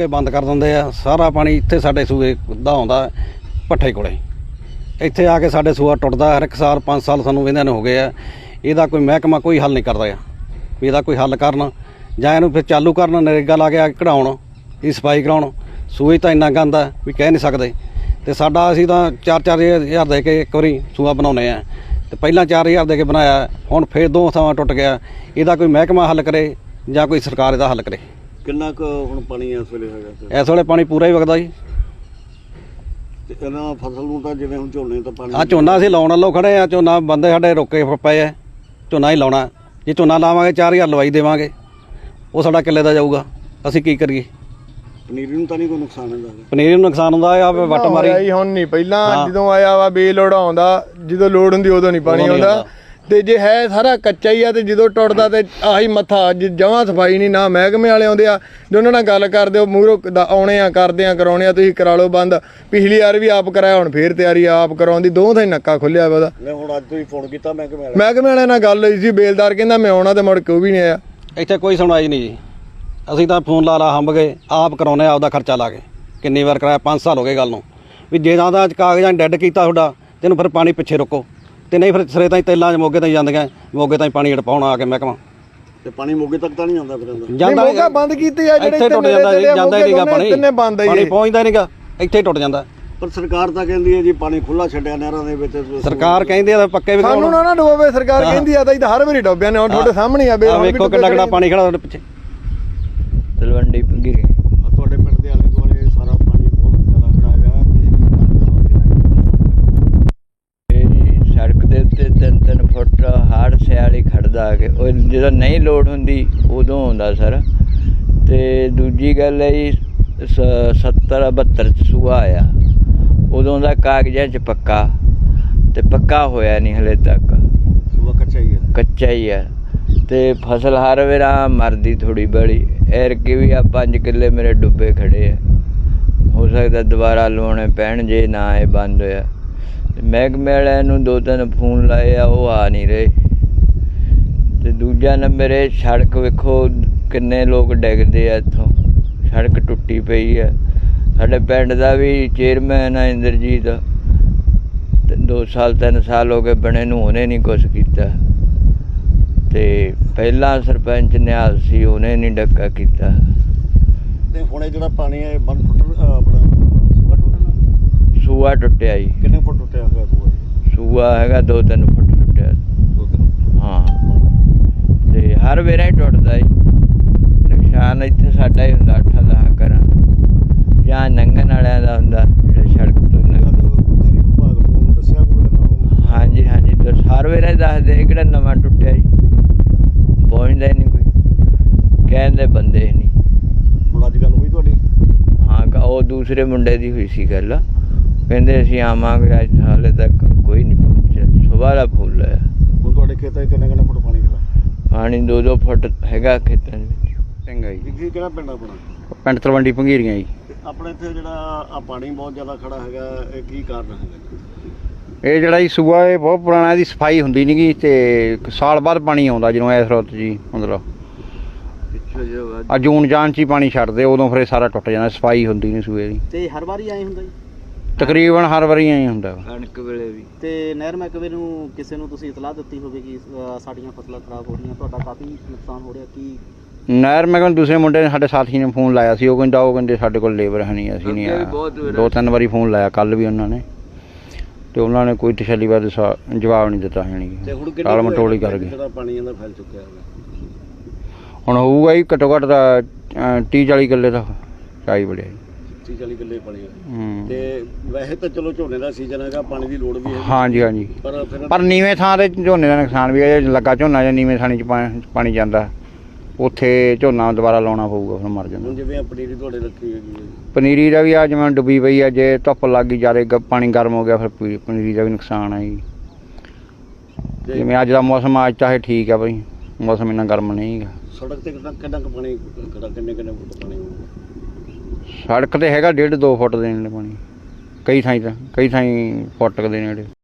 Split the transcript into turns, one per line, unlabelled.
ਕੇ ਬੰਦ ਕਰ ਦਿੰਦੇ ਆ। ਸਾਰਾ ਪਾਣੀ ਇੱਥੇ ਸਾਡੇ ਸੂਏ ਦਾ ਆਉਂਦਾ ਭੱਠੇ ਕੋਲੇ। ਇੱਥੇ ਆ ਕੇ ਸਾਡੇ ਸੂਆ ਟੁੱਟਦਾ ਹਰ ਇੱਕ ਸਾਲ। 5 ਸਾਲ ਸਾਨੂੰ ਵਹਿੰਦਿਆਂ ਨੂੰ ਹੋ ਗਏ ਆ। ਇਹਦਾ ਕੋਈ ਮਹਿਕਮਾ ਕੋਈ ਹੱਲ ਨਹੀਂ ਕਰਦਾ ਆ ਵੀ ਇਹਦਾ ਕੋਈ ਹੱਲ ਕਰਨ ਜਾਂ ਇਹਨੂੰ ਫਿਰ ਚਾਲੂ ਕਰਨ। ਨਰੇਗਾ ਲਾ ਕੇ ਕਢਾਉਣ, ਇਹ ਸਫਾਈ ਕਰਾਉਣ। ਸੂਏ ਤਾਂ ਇੰਨਾ ਗੰਦ ਆ ਵੀ ਕਹਿ ਨਹੀਂ ਸਕਦੇ। ਅਤੇ ਸਾਡਾ ਅਸੀਂ ਤਾਂ 4-4 ਹਜ਼ਾਰ ਦੇ ਕੇ ਇੱਕ ਵਾਰੀ ਸੂਆ ਬਣਾਉਂਦੇ ਆ, ਅਤੇ ਪਹਿਲਾਂ 4 ਹਜ਼ਾਰ ਦੇ ਕੇ ਬਣਾਇਆ, ਹੁਣ ਫਿਰ 2 ਥਾਵਾਂ ਟੁੱਟ ਗਿਆ। ਇਹਦਾ ਕੋਈ ਮਹਿਕਮਾ ਹੱਲ ਕਰੇ ਜਾਂ ਕੋਈ ਸਰਕਾਰ ਇਹਦਾ ਹੱਲ ਕਰੇ।
ਕਿੰਨਾ ਕੁ ਹੁਣ ਪਾਣੀ ਇਸ ਵੇਲੇ ਹੈਗਾ?
ਇਸ ਵੇਲੇ ਪਾਣੀ ਪੂਰਾ ਹੀ ਵਗਦਾ ਜੀ।
ਤੇ ਇਹਨਾਂ ਫਸਲ ਨੂੰ ਤਾਂ ਜਿਵੇਂ ਹੁਣ ਝੋਨੇ ਤਾਂ ਪਾਣੀ
ਝੋਨਾ ਅਸੀਂ ਲਾਉਣ ਵੱਲੋਂ ਖੜ੍ਹੇ ਆ। ਝੋਨਾ ਬੰਦੇ ਸਾਡੇ ਰੋਕੇ ਪਏ ਆ। ਝੋਨਾ ਹੀ ਲਾਉਣਾ। ਜੇ ਝੋਨਾ ਲਾਵਾਂਗੇ 4000 ਲਵਾਈ ਦੇਵਾਂਗੇ, ਉਹ ਸਾਡਾ ਕਿੱਲੇ ਦਾ ਜਾਊਗਾ। ਅਸੀਂ ਕੀ ਕਰੀਏ?
ਪਨੀਰੀ ਨੂੰ ਤਾਂ ਨਹੀਂ ਕੋਈ ਨੁਕਸਾਨ ਹੁੰਦਾ?
ਪਨੀਰੀ ਨੂੰ ਨੁਕਸਾਨ ਹੁੰਦਾ ਆ। ਵੱਟ ਮਾਰੀ
ਹੁਣ ਨਹੀਂ, ਪਹਿਲਾਂ ਜਦੋਂ ਆਇਆ ਵਾ ਬੇਲੋੜ ਆਉਂਦਾ, ਜਦੋਂ ਲੋੜ ਹੁੰਦੀ ਉਦੋਂ ਨਹੀਂ ਪਾਣੀ ਆਉਂਦਾ। ਤੇ ਜੇ ਹੈ ਸਾਰਾ ਕੱਚਾ ਹੀ ਆ, ਤੇ ਜਦੋਂ ਟੁੱਟਦਾ ਤੇ ਆਹੀ ਮੱਥਾ ਜਮਾਂ ਸਫਾਈ ਨਹੀਂ। ਨਾ ਮਹਿਕਮੇ ਵਾਲੇ ਆਉਂਦੇ ਆ, ਜੇ ਉਹਨਾਂ ਨਾਲ ਗੱਲ ਕਰਦੇ ਹੋ ਮੂਹਰੋਂ ਆਉਣੇ ਆ, ਕਰਦੇ ਆ, ਕਰਾਉਣੇ ਆ, ਤੁਸੀਂ ਕਰਾ ਲਓ ਬੰਦ। ਪਿਛਲੀ ਵਾਰ ਵੀ ਆਪ ਕਰਾਇਆ, ਹੁਣ ਫੇਰ ਤਿਆਰੀ ਆਪ ਕਰਾਉਣ ਦੀ। 2 ਥਾਂ ਹੀ ਨੱਕਾ ਖੁੱਲਿਆ ਵਾ ਉਹਦਾ।
ਹੁਣ ਅੱਜ ਤੁਸੀਂ ਫੋਨ ਕੀਤਾ ਮਹਿਕਮੇ
ਵਾਲੇ ਨਾਲ ਗੱਲ ਹੋਈ ਸੀ। ਬੇਲਦਾਰ ਕਹਿੰਦਾ ਮੈਂ ਆਉਣਾ, ਤੇ ਮੁੜ ਕੇ ਉਹ ਵੀ ਨਹੀਂ ਆਇਆ।
ਇੱਥੇ ਕੋਈ ਸੁਣਵਾਈ ਨਹੀਂ ਜੀ। ਅਸੀਂ ਤਾਂ ਫੋਨ ਲਾ ਹੰਬ ਗਏ, ਆਪ ਕਰਾਉਂਦੇ ਆਪਦਾ ਖਰਚਾ ਲਾ ਕੇ। ਕਿੰਨੀ ਵਾਰ ਕਰਾਇਆ, 5 ਸਾਲ ਹੋ ਗਏ ਗੱਲ ਨੂੰ। ਵੀ ਜੇ ਤਾਂ ਕਾਗਜ਼ਾਂ ਡੈੱਡ ਕੀਤਾ ਤੁਹਾਡਾ, ਤੈਨੂੰ ਫਿਰ ਪਾਣੀ ਪਿੱਛੇ ਰੁਕੋ, ਤੇ ਨਹੀਂ ਫਿਰ ਸਿਰੇ ਤਾਂ ਤੇਲਾਂ 'ਚ ਮੋਗੇ ਤਾਂ ਜਾਂਦੀਆਂ। ਮੋਗੇ ਤਾਂ ਪਾਣੀ ਪਾਉਣਾ ਆ ਕੇ ਮਹਿਕਮਾ।
ਤੇ ਪਾਣੀ ਮੋਗੇ ਤੱਕ ਤਾਂ ਨਹੀਂ ਆਉਂਦਾ ਫਿਰ?
ਜਾਂਦਾ ਬੰਦ ਕੀਤੀ ਆ ਜਿਹੜੇ
ਇੱਥੇ ਟੁੱਟ ਜਾਂਦਾ ਜੀ। ਜਾਂਦਾ ਹੀ ਨਹੀਂਗਾ ਪਾਣੀ ਪਹੁੰਚਦਾ ਨਹੀਂਗਾ, ਇੱਥੇ ਟੁੱਟ ਜਾਂਦਾ।
ਪਰ ਸਰਕਾਰ ਤਾਂ ਕਹਿੰਦੀ ਹੈ ਜੀ ਪਾਣੀ ਖੁੱਲਾ ਛੱਡਿਆ ਨਹਿਰਾਂ ਦੇ ਵਿੱਚ।
ਸਰਕਾਰ ਕਹਿੰਦੀ ਆ ਪੱਕੇ ਵੀ
ਸਾਨੂੰ ਨਾ ਡੋਬੇ। ਸਰਕਾਰ ਕਹਿੰਦੀ ਆ ਤਾਂ ਹਰ ਵਾਰੀ ਡੋਬਿਆ ਨੇ। ਹੁਣ ਤੁਹਾਡੇ ਸਾਹਮਣੇ ਆ,
ਵੇਖੋ ਕਿੰਨਾ ਕਿੰਨਾ ਪਾਣੀ ਖੜਾ ਤੁਹਾਡੇ ਪਿੱਛੇ।
ਤਲਵੰਡੀ ਪੰਗੀਰੇ
ਤੁਹਾਡੇ ਪਿੰਡ ਦੇ ਆਲੇ ਦੁਆਲੇ ਸਾਰਾ ਪਾਣੀ ਬਹੁਤ ਜ਼ਿਆਦਾ ਖੜਾ ਹੈਗਾ।
ਤੇ ਸੜਕ ਦੇ ਉੱਤੇ 3-3 ਫੁੱਟ ਹਰ ਸਿਆਲ ਹੀ ਖੜਦਾ ਆ ਕੇ। ਉਹ ਜਦੋਂ ਨਹੀਂ ਲੋੜ ਹੁੰਦੀ ਉਦੋਂ ਆਉਂਦਾ ਸਰ। ਤੇ ਦੂਜੀ ਗੱਲ ਹੈ ਜੀ 70-72 'ਚ ਸੂਆ ਆਇਆ, ਉਦੋਂ ਦਾ ਕਾਗਜ਼ਾਂ 'ਚ ਪੱਕਾ, ਤੇ ਪੱਕਾ ਹੋਇਆ ਨਹੀਂ ਹਲੇ ਤੱਕ।
ਸੂਆ ਕੱਚਾ ਹੀ ਹੈ? ਕੱਚਾ
ਹੀ ਹੈ। ਤੇ ਫਸਲ ਹਰ ਵੇਰਾ ਮਰਦੀ ਥੋੜ੍ਹੀ ਬੜੀ। ਐਰਕੀ ਵੀ ਆ 5 ਕਿੱਲੇ ਮੇਰੇ ਡੁੱਬੇ ਖੜੇ ਆ। ਹੋ ਸਕਦਾ ਦੁਬਾਰਾ ਲਵਾਉਣੇ ਪੈਣ ਜੇ ਨਾ ਇਹ ਬੰਦ ਹੋਇਆ। ਮਹਿਕਮੇ ਵਾਲਿਆਂ ਨੂੰ 2-3 ਫੋਨ ਲਾਏ ਆ, ਉਹ ਆ ਨਹੀਂ ਰਹੇ। ਤੇ ਦੂਜਾ ਨੰਬਰ ਇਹ ਸੜਕ ਵੇਖੋ ਕਿੰਨੇ ਲੋਕ ਡਿੱਗਦੇ ਆ ਇੱਥੋਂ। ਸੜਕ ਟੁੱਟੀ ਪਈ ਆ। ਸਾਡੇ ਪਿੰਡ ਦਾ ਵੀ ਚੇਅਰਮੈਨ ਆ ਇੰਦਰਜੀਤ, 2 ਸਾਲ 3 ਸਾਲ ਹੋ ਗਏ ਬਣੇ ਨੂੰ, ਉਹਨੇ ਨਹੀਂ ਕੁਛ ਕੀਤਾ। ਤੇ ਪਹਿਲਾਂ ਸਰਪੰਚ ਨਿਹਾਲ ਸੀ, ਉਹਨੇ ਨਹੀਂ ਡੱਕਾ ਕੀਤਾ।
ਤੇ ਹੁਣ ਇਹ ਜਿਹੜਾ ਪਾਣੀ ਹੈ ਬੰਦ ਫੁੱਟ ਆਪਣਾ ਸੂਆ ਟੁੱਟਣਾ?
ਸੂਆ ਟੁੱਟਿਆ ਜੀ।
ਕਿੰਨੇ ਫੁੱਟ ਟੁੱਟਿਆ ਹੋਇਆ ਸੂਆ ਜੀ?
ਸੂਆ ਹੈਗਾ 2-3 ਫੁੱਟ ਟੁੱਟਿਆ।
2-3
ਹਾਂ। ਤੇ ਹਰ ਵੇਰਾ ਹੀ ਟੁੱਟਦਾ ਜੀ। ਨੁਕਸਾਨ ਇੱਥੇ ਸਾਡਾ ਹੀ ਹੁੰਦਾ 8-10 ਘਰਾਂ ਦਾ, ਜਾਂ ਲੰਘਣ ਵਾਲਿਆਂ ਦਾ ਹੁੰਦਾ ਜਿਹੜੇ ਸੜਕ ਤੋਂ
ਡੇਅਰੀ ਵਿਭਾਗ ਨੂੰ ਦੱਸਿਆ ਕੋਈ?
ਹਾਂਜੀ ਹਰ ਵੇਰਾ ਹੀ ਦੱਸਦੇ ਕਿਹੜਾ ਨਵਾਂ ਟੁੱਟਿਆ ਜੀ। ਪਹੁੰਚਦਾ ਹੀ ਨਹੀਂ ਕੋਈ, ਕਹਿੰਦੇ ਬੰਦੇ ਨਹੀਂ।
ਹੁਣ ਅੱਜ ਗੱਲ ਹੋਈ ਤੁਹਾਡੀ?
ਹਾਂ, ਉਹ ਦੂਸਰੇ ਮੁੰਡੇ ਦੀ ਹੋਈ ਸੀ ਗੱਲ। ਕਹਿੰਦੇ ਅਸੀਂ ਆਵਾਂਗੇ, ਅੱਜ ਹਾਲੇ ਤੱਕ ਕੋਈ ਨਹੀਂ ਪਹੁੰਚਿਆ। ਸੁਬਾਹ ਦਾ ਫੁੱਲ ਹੈ।
ਹੁਣ ਤੁਹਾਡੇ ਖੇਤਾਂ 'ਚ ਕਿੰਨੇ ਫੁੱਟ ਪਾਣੀ ਖੜਾ?
ਪਾਣੀ 2-2 ਫੁੱਟ ਹੈਗਾ ਖੇਤਾਂ ਦੇ ਵਿੱਚ।
ਚੰਗਾ ਜੀ।
ਕਿਹੜਾ ਪਿੰਡ ਆਪਣਾ?
ਪਿੰਡ ਤਲਵੰਡੀ ਪੰਗੀਰੀਆਂ ਜੀ।
ਆਪਣੇ ਇੱਥੇ ਜਿਹੜਾ ਆ ਪਾਣੀ ਬਹੁਤ ਜ਼ਿਆਦਾ ਖੜਾ ਹੈਗਾ, ਇਹ ਕੀ ਕਾਰਨ ਹੈਗਾ?
ਇਹ ਜਿਹੜਾ ਜੀ ਸੂਆ ਇਹ ਬਹੁਤ ਪੁਰਾਣਾ, ਇਹਦੀ ਸਫਾਈ ਹੁੰਦੀ ਨਹੀਂ ਗੀ, ਤੇ ਸਾਲ ਬਾਅਦ ਪਾਣੀ ਆਉਂਦਾ ਜਦੋਂ ਇਸ ਰੁੱਤ ਜੀ। ਮਤਲਬ ਆ ਜੂਨ ਜਾਨ 'ਚ ਹੀ ਪਾਣੀ ਛੱਡਦੇ, ਉਦੋਂ ਫਿਰ ਇਹ ਸਾਰਾ ਟੁੱਟ ਜਾਂਦਾ। ਸਫਾਈ ਹੁੰਦੀ ਨਹੀਂ ਸੂਏ ਦੀ।
ਤੇ ਹਰ ਵਾਰੀ ਆਏ ਹੁੰਦਾ ਜੀ?
ਤਕਰੀਬਨ ਹਰ ਵਾਰੀ ਐਂ ਹੁੰਦਾ।
ਕਣਕ ਵੇਲੇ ਵੀ।
ਤੇ ਨਹਿਰ ਮਹਿਕਮੇ ਨੂੰ ਕਿਸੇ ਨੂੰ ਤੁਸੀਂ ਇਤਲਾਹ ਦਿੱਤੀ ਹੋਵੇ ਕਿ ਸਾਡੀਆਂ ਫਸਲਾਂ ਖਰਾਬ ਹੋ ਰਹੀਆਂ, ਤੁਹਾਡਾ ਕਾਫੀ ਨੁਕਸਾਨ ਹੋ ਰਿਹਾ? ਕੀ
ਨਹਿਰ ਮੈਂ ਕਹਿੰਦਾ ਦੂਸਰੇ ਮੁੰਡੇ ਨੇ ਸਾਡੇ ਸਾਥੀ ਨੇ ਫੋਨ ਲਾਇਆ ਸੀ। ਉਹ ਕਹਿੰਦੇ ਸਾਡੇ ਕੋਲ ਲੇਬਰ ਹੈ ਨਹੀਂ, ਅਸੀਂ ਨਹੀਂ ਆਇਆ। 2-3 ਵਾਰੀ ਫੋਨ ਲਾਇਆ, ਕੱਲ੍ਹ ਵੀ ਉਹਨਾਂ ਨੇ, ਤੇ ਉਹਨਾਂ ਨੇ ਕੋਈ ਤਸੱਲੀ ਬਾਰੇ ਜਵਾਬ ਨਹੀਂ ਦਿੱਤਾ। ਟਾਲ ਮਟੋਲੀ ਕਰ ਗਏ।
ਪਾਣੀ ਇਹਦਾ ਫੈਲ ਚੁੱਕਿਆ ਹੈਗਾ
ਹੁਣ ਹੋਊਗਾ ਜੀ ਘੱਟੋ ਘੱਟ ਦਾ 30-40 ਕਿੱਲੇ ਦਾ ਚਾਈ ਬੜਿਆ ਜੀ।
30-40 ਕਿੱਲੇ ਪਾਣੀ ਹੈ। ਤੇ ਵੈਸੇ ਤਾਂ ਚਲੋ ਝੋਨੇ ਦਾ ਸੀਜ਼ਨ ਹੈਗਾ, ਪਾਣੀ ਦੀ ਲੋੜ ਵੀ ਹੈ।
ਹਾਂਜੀ। ਪਰ ਨੀਵੇਂ ਥਾਂ ਤੇ ਝੋਨੇ ਦਾ ਨੁਕਸਾਨ ਵੀ ਹੈ। ਲੱਗਾ ਝੋਨਾ ਜਾਂ ਨੀਵੇਂ ਥਾਣੀ 'ਚ ਪਾਣੀ ਜਾਂਦਾ, ਉੱਥੇ ਝੋਨਾ ਦੁਬਾਰਾ ਲਾਉਣਾ ਪਊਗਾ, ਫਿਰ ਮਰ ਜਾਂਦਾ।
ਜਿਵੇਂ ਪਨੀਰੀ ਤੁਹਾਡੇ ਰੱਖੀ ਹੈਗੀ ਹੈ,
ਪਨੀਰੀ ਦਾ ਵੀ ਆ ਜਿਵੇਂ ਡੁੱਬੀ ਪਈ ਆ। ਜੇ ਧੁੱਪ ਲੱਗ ਗਈ ਜ਼ਿਆਦਾ, ਪਾਣੀ ਗਰਮ ਹੋ ਗਿਆ, ਫਿਰ ਪਨੀਰੀ ਦਾ ਵੀ ਨੁਕਸਾਨ ਹੈ ਜੀ। ਜਿਵੇਂ ਅੱਜ ਦਾ ਮੌਸਮ, ਅੱਜ ਤਾਂ ਇਹ ਠੀਕ ਆ ਬਈ, ਮੌਸਮ ਇੰਨਾ ਗਰਮ ਨਹੀਂ ਹੈਗਾ।
ਸੜਕ ਤੇ ਕਿੰਨਾ ਕੁ ਪਾਣੀ ਖੜਾ? ਕਿੰਨੇ ਫੁੱਟ ਪਾਣੀ ਹੋਊਗਾ?
ਸੜਕ ਤੇ ਹੈਗਾ 1.5-2 ਫੁੱਟ ਦੇ ਨੇੜੇ ਪਾਣੀ। ਕਈ ਥਾਈਂ ਫੁੱਟ ਦੇ ਨੇੜੇ।